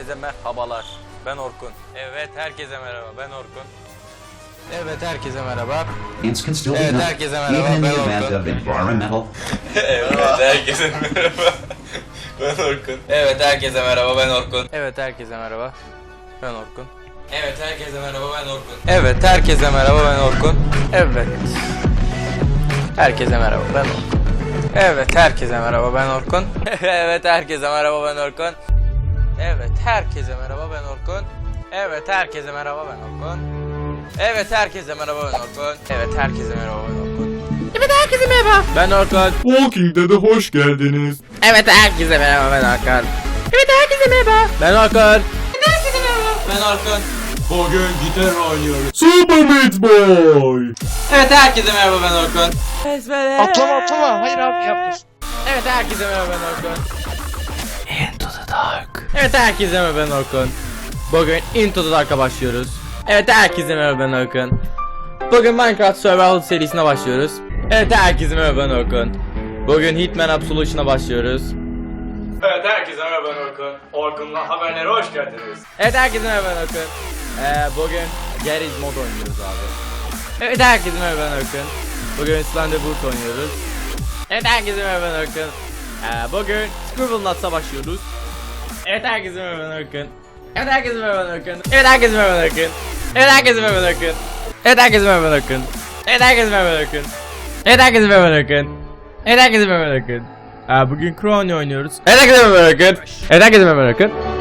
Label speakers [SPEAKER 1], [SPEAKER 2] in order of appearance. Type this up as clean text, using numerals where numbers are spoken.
[SPEAKER 1] herkese merhabalar. Ben Orkun. Evet, herkese merhaba. Ben Orkun. Evet, herkese merhaba. Evet, herkese merhaba. Ben Orkun. Evet, herkese merhaba. Ben Orkun. Evet, herkese merhaba. Ben Orkun. Evet, herkese merhaba. Ben Orkun. Evet, herkese merhaba. Ben Orkun. Evet, herkese merhaba. Ben Orkun. Evet. Herkese merhaba. Ben Orkun. Evet, herkese merhaba. Ben Orkun. Evet, herkese merhaba. Ben Orkun. Evet, herkese merhaba. Ben Orkun. Evet, herkese merhaba. Ben Orkun. Evet, herkese merhaba. Ben Orkun. Evet, herkese merhaba. Ben Orkun.
[SPEAKER 2] Evet, herkese merhaba.
[SPEAKER 1] Ben Orkun.
[SPEAKER 3] Walking Dead'e hoş geldiniz.
[SPEAKER 2] Evet, herkese merhaba, ben Hakan. Evet, herkese merhaba.
[SPEAKER 1] Ben Orkun.
[SPEAKER 2] Evet, herkese merhaba.
[SPEAKER 1] Ben Orkun.
[SPEAKER 3] Bugün gitar oynuyoruz. Super Meat Boy.
[SPEAKER 1] Evet, herkese merhaba. Ben Orkun.
[SPEAKER 2] Atlama. Hayır abi, yapmasın.
[SPEAKER 1] Evet, herkese merhaba. Ben Orkun. Into the Dark. Evet, herkese merhaba. Ben Orkun. Bugün Into the Dark'a başlıyoruz. Evet, herkese merhaba. Ben Orkun. Bugün Minecraft Survival serisine başlıyoruz. Evet, herkese merhaba. Ben Orkun. Bugün Hitman Absolution'a başlıyoruz. Evet, herkese merhaba. Ben Orkun. Orkun'la haberlere hoş geldiniz. Evet, herkese merhaba. Ben Orkun. Bugün Garage Mod oynuyoruz abi. Evet, herkese merhaba. Ben Orkun. Bugün Slenderboot oynuyoruz. Evet, herkese merhaba. Ben Orkun. Bugün Scribblenauts'a başlıyoruz. Evet, herkese merhaba. Ben Orkun. Evet, herkese merhaba. Ben Orkun. Evet, herkese merhaba. Ben Orkun. Evet, herkese merhaba. Ben Orkun. Evet, herkese merhaba. Ben Orkun. Evet, herkese merhaba. Ben Orkun. Evet, herkese merhaba. Ben Orkun. Evet, herkese merhaba. Ben Orkun. Bugün Crony oynuyoruz. Evet, herkese merhaba. Ben Orkun. Evet, herkese merhaba. Ben Orkun.